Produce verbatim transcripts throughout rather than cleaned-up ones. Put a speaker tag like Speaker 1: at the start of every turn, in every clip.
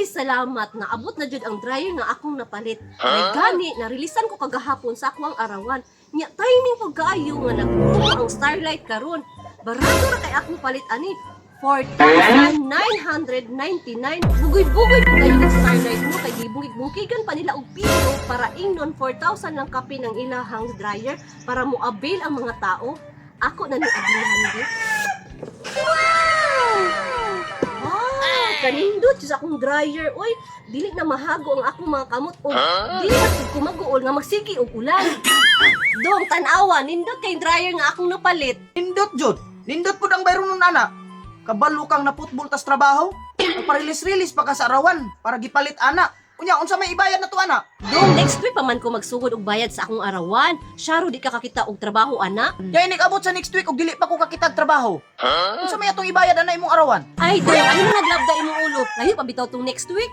Speaker 1: salamat na abot na jud ang dryer nga akong napalit. Ay gani narilisan ko kagahapon sa akong arawan. Nya timing pag kaayo nga nagbuo ang Starlight karon. Barato ra kay akong palit ani. four thousand nine hundred ninety-nine. Bugoy-bugoy pa kayo ng Starlight mo kay gibungig-bungigan pa nila og piso para ingnon four thousand lang kape ng ilahang dryer para mo avail ang mga tao. Ako na ni ablihan di. Wow! Ah, kanindot sa akong dryer. Oy, dili na mahago ang akong mga kamot o dili na pud ko maguol nga magsigi og ulan. Dong tan-awa nindot kay dryer nga akong napalit.
Speaker 2: Nindot jud. Nindot pud ang bayron nun ana. Kabalo kang naputbol tas trabaho. Nagparilis-rilis pa ka sa arawan para gipalit ana. Unya unsa may ibayad na to ana?
Speaker 1: Dong next week pa man ko magsugod og bayad sa akong arawan. Syaro di ka kakita og trabaho ana.
Speaker 2: Kaya inig-abot sa next week og dili pa ko kakitag trabaho. Unsa may atong ibayad ana imong arawan?
Speaker 1: Ay, dong, ano na naglabda imong ulo? Layo pa bitaw tong next week.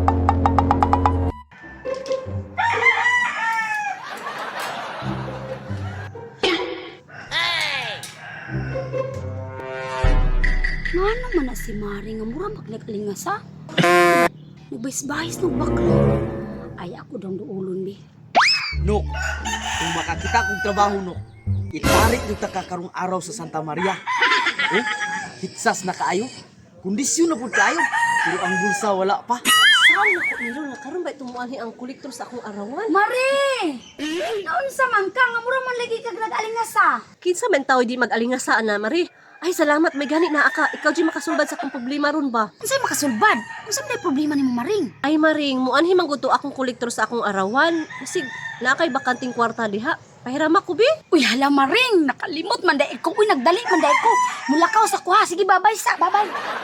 Speaker 3: Nga naman na si Mari nga mura magnag-alingas ha? Nagbais-bais ng bakla. Ay ako daw duulon bi.
Speaker 2: No. Kung makakita kong trabaho no, itarik yung takakarong araw sa Santa Maria. Oh, hitsas na kaayo. Kondisyon na po kaayo. Pero ang bulsa wala pa.
Speaker 1: Saan ako nilo na karon ba tumuanhi ang kolektor sa akong arawan?
Speaker 3: Mari! Noon sa man ka nga mura man lagi kag nag-alingas ha?
Speaker 1: Kinsa man tawo di mag-alingasaan na, Mari? Ay, salamat, may gani na aka. Ikaw di makasulbad sa akong problema ron ba?
Speaker 3: Unsay makasulbad? Unsa may problema nimo Maring?
Speaker 1: Ay, Maring, muanhi man gud to akong kolektor sa akong arawan. Sig, na kay bakanting kwarta diha. Pahirama ko, bi?
Speaker 3: Uy hala Maring, nakalimot man dai ko. Uy nagdali man dai ko. Mulakaw sa kuha. Sige babay sa, babay.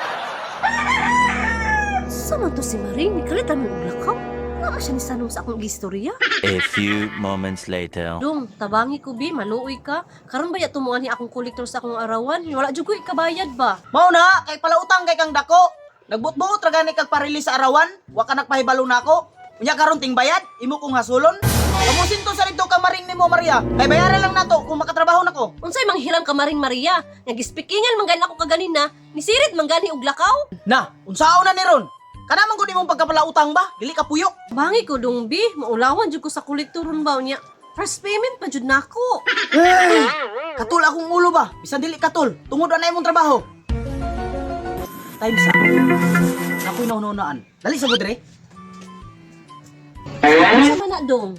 Speaker 1: Sa man to si Maring? Nikalitan mo og lakaw? Nga siya ni sanong sa akong gistorya?
Speaker 4: A few moments later.
Speaker 1: Dong, tabangi ko, bi, maluoy ka. Karon ba ya tumuanhi akong kolektor sa akong arawan? Wala jud ko ikabayad ba?
Speaker 2: Mao na, kay palautang kay kang dako. Nagbutbuot ra gani kag parilis sa arawan, wa ka nagpahibalo nako. Unya karon ting bayad, imo kong hasulon. Kamusin to sa dito ka maring nimo Maria. Kay bayaran lang nato kung makatrabaho nako.
Speaker 1: Unsay manghiram ka Maring Maria? Nagispikingan man gani ako kaganina. Nisirit man gani og lakaw?
Speaker 2: Na, unsaon na ni ron? Kana man gud imong pagkapalautang ba? Dili ka puyok.
Speaker 1: Bangi ko dong, bi. Maulawan jud ko sa kolektoron ba niya. First payment pa jud nako.
Speaker 2: Hey, katul akong ulo ba? Bisan dili katul. Tungod na imong trabaho. Time sa. Ako'y naununaan. Dali sa budre.
Speaker 1: Ano man na dong?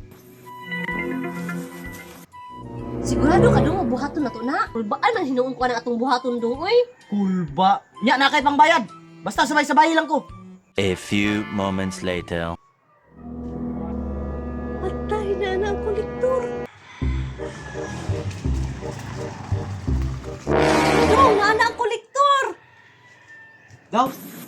Speaker 1: Sigurado ka dong buhaton na to na. Ulbaan man hinuon ko ang atong buhaton dong, oy.
Speaker 2: Kulba. Nya na kay pangbayad. Basta sabay-sabay lang ko.
Speaker 4: A few moments later.
Speaker 1: Patay na na ang kolektor. Dong, nga na ang kolektor.
Speaker 2: Daw.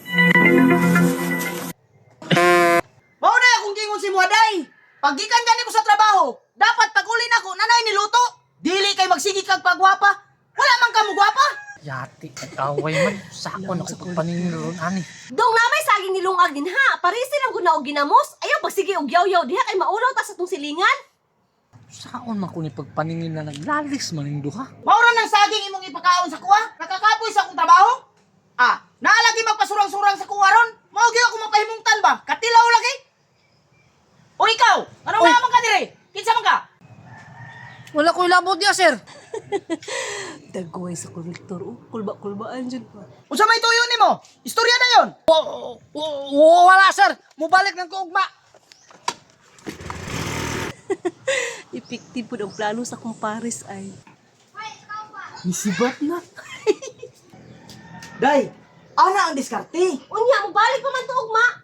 Speaker 2: Mao na akong gingon si Muaday. Paggikan gani ko sa trabaho, dapat pag-uli nako nanay niluto. Dili kay magsigi kag pagwapa. Wala man ka mo gwapa.
Speaker 5: Yati, nag-away man. Sako na ko pagpaningin ron, ani.
Speaker 1: Dong, namay saging nilungag din ha. Parisi lang gud na og ginamos. Ayaw pagsige og yaw-yaw diha kay maulaw ta sa tong silingan.
Speaker 5: Saon man ko ni pagpaningin na naglalis man yung duha.
Speaker 2: Maura ng saging imong ipakaon sa kuha? Nakakapoy sa akong trabaho? Ah, naalagi magpasurang-surang sa kuha ron? Mao gyud ako mapahimungtan ba? Katilaw lagi? O ikaw, ano
Speaker 5: Oy.
Speaker 2: naman ka dire? Kinsa man ka?
Speaker 5: Wala ko ilabot niya, sir.
Speaker 1: Dagoy sa kolektor. Oh, kulba-kulbaan dyan pa.
Speaker 2: Unsa may tuyo nimo? Istorya na yon.
Speaker 5: O, o, wala, sir. Mubalik ng kuugma.
Speaker 1: Epektibo po ang plano sa kumpares ay.
Speaker 2: Nisibat na. Day, ana ang diskarte.
Speaker 1: Unya, mabalik pa man to ugma.